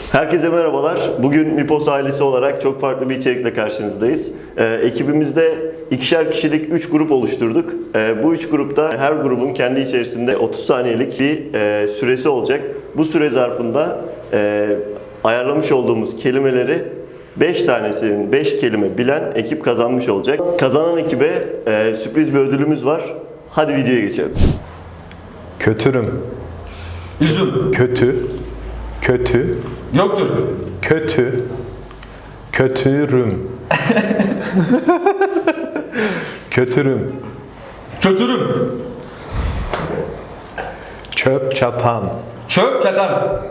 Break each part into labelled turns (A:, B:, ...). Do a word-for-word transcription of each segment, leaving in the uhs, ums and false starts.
A: Herkese merhabalar. Bugün Mipos ailesi olarak çok farklı bir içerikle karşınızdayız. Ee, ekibimizde ikişer kişilik üç grup oluşturduk. Ee, bu üç grupta her grubun kendi içerisinde otuz saniyelik bir e, süresi olacak. Bu süre zarfında e, ayarlamış olduğumuz kelimeleri beş tanesinin beş kelime bilen ekip kazanmış olacak. Kazanan ekibe e, sürpriz bir ödülümüz var. Hadi videoya geçelim.
B: Kötürüm.
C: Üzüm.
B: Kötü. Kötü.
C: Yoktur.
B: Kötü. Kötürüm. Kötürüm.
C: Kötürüm.
B: Çöp çatan.
C: Çöp çatan.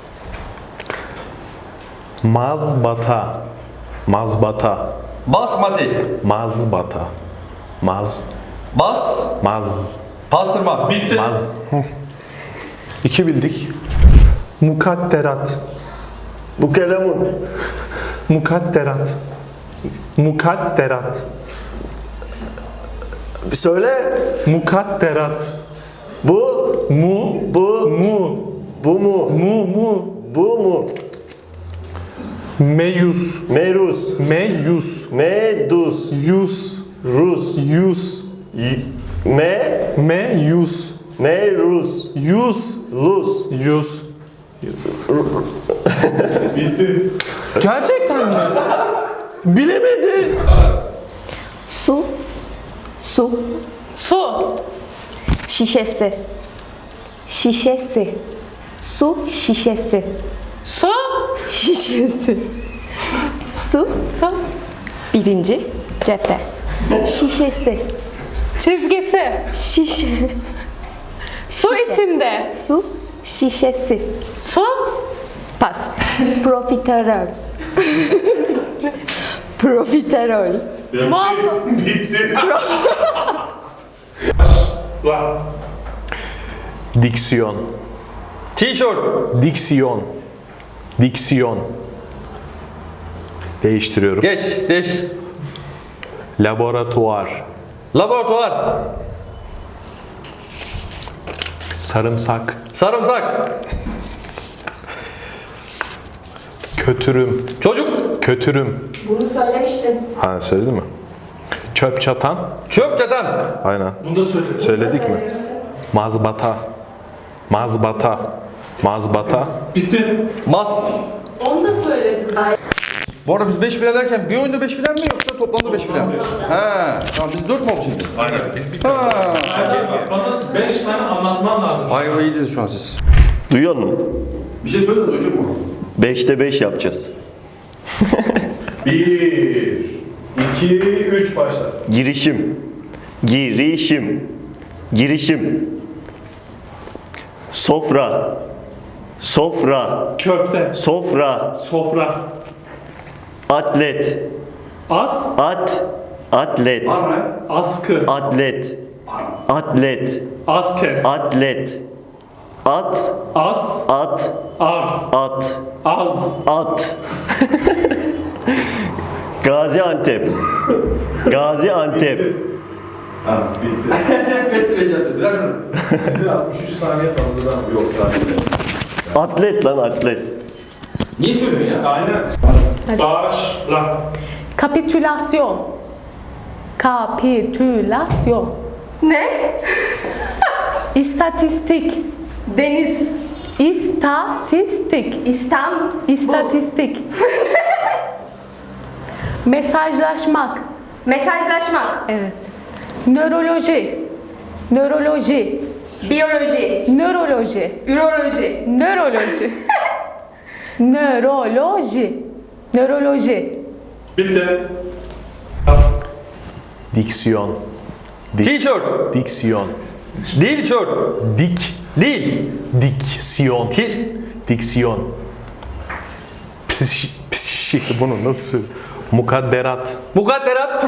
B: Mazbata. Mazbata.
C: Basmati.
B: Mazbata. Maz.
C: Bas.
B: Maz.
C: Pastırma. Bitti.
B: Maz. İki bildik.
D: Mukadderat.
A: Bu kalemun.
D: Mukadderat. Mukadderat.
A: Söyle.
D: Mukadderat.
A: Bu.
D: Mu.
A: Bu.
D: Mu.
A: Bu mu?
D: Mu. Mu.
A: Bu mu?
D: Meyus.
A: Merus.
D: Meyus.
A: Medus.
D: Yus.
A: Rus.
D: Yus.
A: Y- Me.
D: Meyus.
A: Merus.
D: Yus.
A: Lus.
D: Yus. Gerçekten mi? Bilemedi.
E: Su, su,
F: Su,
E: şişesi, şişesi, su şişesi,
F: su,
E: şişesi, su,
F: su,
E: birinci cephe, şişesi,
F: çizgisi,
E: şişe,
F: su içinde,
E: su şişesi,
F: su,
E: pas, profiterol, profiterol,
F: muhafı,
B: Diksiyon.
C: Tişört.
B: Diksiyon. Diksiyon. Değiştiriyorum.
C: Geç. Değiş.
B: Laboratuvar.
C: Laboratuvar.
B: Sarımsak.
C: Sarımsak.
B: Kötürüm.
C: Çocuk.
B: Kötürüm.
E: Bunu söylemiştin.
B: Ha söyledin mi? Çöp çatan.
C: Çöp çatan.
B: Aynen.
D: Bunu da söyledim.
B: Söyledik mi? Mazbata. Mazbata. Mazbata.
D: Bitti.
C: Mas.
F: onu da söyledim.
C: Bu arada biz beş bilen derken bir oyunda beş bilen mi yoksa toplamda beş bilen mi? He. Tamam biz dört mü olmuşuz?
G: Aynen biz bir
C: Ha.
D: Bana beş tane anlatman lazım.
C: Ayva iyiydiniz şu an siz.
A: Duyuyor musun?
C: Bir şey söyle de duyacak mı?
A: beşte beş yapacağız.
G: bir, iki, üç başla.
A: Girişim. Girişim. Girişim. Sofra. Sofra.
D: Köfte.
A: Sofra.
D: Sofra.
A: Atlet.
D: As.
A: At. Atlet.
C: Var mı lan?
D: Askı.
A: Atlet. Atlet.
D: Askes.
A: Atlet. At.
D: As.
A: At.
D: Ar.
A: At.
D: Az.
A: At. Gaziantep. Gaziantep.
G: Ha bitti.
C: Beşte beş yapacağız. Ver şunu.
G: Size altmış üç saniye fazladan yok sadece.
A: Atlet lan atlet.
C: Niye söylüyorsun ya?
G: Aynen.
D: Başla.
F: Kapitülasyon, kapitülasyon,
E: Ne?
F: İstatistik,
E: Deniz,
F: istatistik,
E: İstanbul,
F: istatistik, mesajlaşmak,
E: mesajlaşmak,
F: evet, nöroloji, nöroloji,
E: biyoloji,
F: nöroloji,
E: üroloji,
F: nöroloji, nöroloji, nöroloji,
D: Bitti.
B: Diksiyon. Dik-
C: Tişört.
B: Diksiyon.
C: Değil tişört.
B: Dik.
C: Değil.
B: Diksiyon.
C: Til.
B: Diksiyon. Psişik. Psişik. Bunu nasıl söylüyor? Mukadderat.
C: Mukadderat.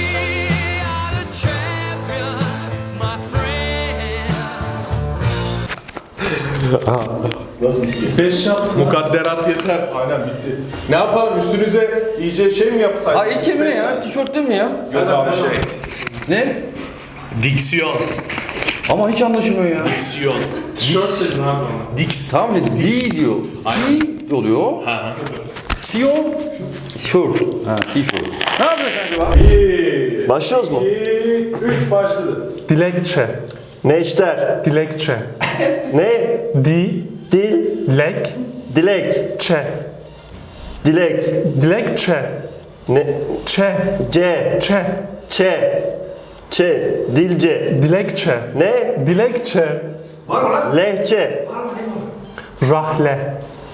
D: Beş yaptın.
G: Mukadderat yeter. Aynen bitti. Ne yapalım üstünüze iyice şey mi yapsaydık?
C: Ha iki mi ya? Tişört değil mi ya?
G: Yok abi şey.
C: Ne?
B: Diksiyon.
C: Ama hiç anlaşılmıyor ya.
B: Diksiyon.
D: Tişört dedin abi ona.
B: Diks.
C: Tamam dedi. Di diyor. Di. oluyor. Sion. Shirt. Ha, t-shirt. Ne yapıyorsun acaba?
G: Bir,
A: Başlıyoruz mu?
G: iki, üç başladı.
B: Dilekçe.
A: Neşter.
B: Dilekçe.
A: Ne?
B: Di.
A: Dil.
B: Lek.
A: Dilek.
B: Çe.
A: Dilek.
B: Dilekçe.
A: Ne?
B: Çe.
A: C.
B: Çe.
A: Ç. Ç. Dilce.
B: Dilekçe.
A: Ne?
B: Dilekçe.
A: Lehçe.
B: Rahle.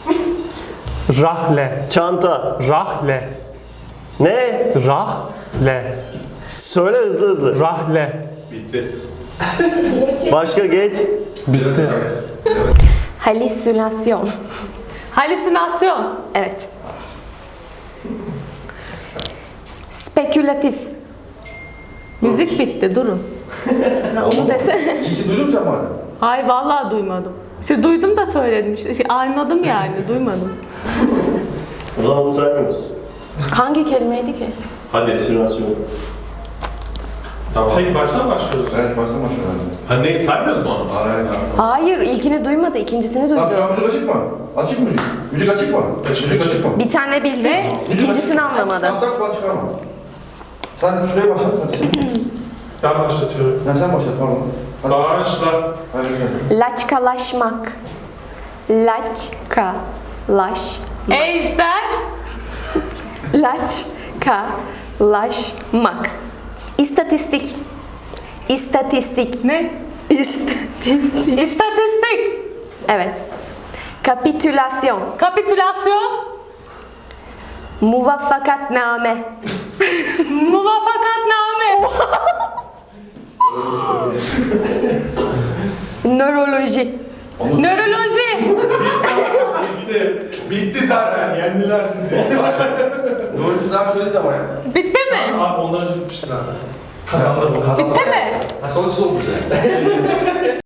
B: Rahle.
A: Çanta.
B: Rahle.
A: Ne?
B: Rahle.
A: Söyle hızlı hızlı.
B: Rahle.
G: Bitti.
A: Başka geç.
B: Bitti.
E: Halüsinasyon.
F: Halüsinasyon.
E: Evet. Spekülatif.
F: Müzik bitti, durun. Ha, onu dese.
C: İyi ki duydun mu sen bana?
F: Hayır, vallahi duymadım. İşte duydum da söyledim. İşte, şey, anladım yani, duymadım.
A: O zaman bunu saymıyoruz.
E: Hangi kelimeydi ki?
A: Hadi simülasyon.
G: Tamam.
D: Tek baştan başlıyoruz.
C: Evet, baştan başlayalım.
G: Ha ne saymıyoruz mu onu?
C: Hayır, hayır, tamam.
E: Hayır, ilkini duymadı, ikincisini
C: Tamam,
E: duydu.
C: şu an müzik açık mı? Açık mı müzik? Müzik açık mı? Müzik açık mı?
E: Bir tane bildik,
F: Ne?
E: ikincisini anlamadı.
C: Tamam, kulak çıkarma. Sen şuraya başlat, hadi sen.
D: Ben başlatıyorum.
C: Ha, sen başlat, pardon. Hadi.
D: Başla.
C: Hayır, hadi.
E: Laçkalaşmak. Laçkalaş.
F: Ejder.
E: Laçkalaşmak. İstatistik. İstatistik.
F: Ne?
E: İstatistik.
F: İstatistik.
E: Evet. Kapitülasyon.
F: Kapitülasyon.
E: Muvaffakatname.
F: Muvafakatname.
E: Nöroloji.
F: Nöroloji.
D: Bitti.
G: Bitti zaten. Yendiler sizi.
C: Doğrucu daha söyledi ama ya.
F: Bitti mi?
D: Abi ondan önce bitmişti zaten. Kazandı bu.
F: Bitti mi?
C: Ha, sonuçsuz olmuş yani.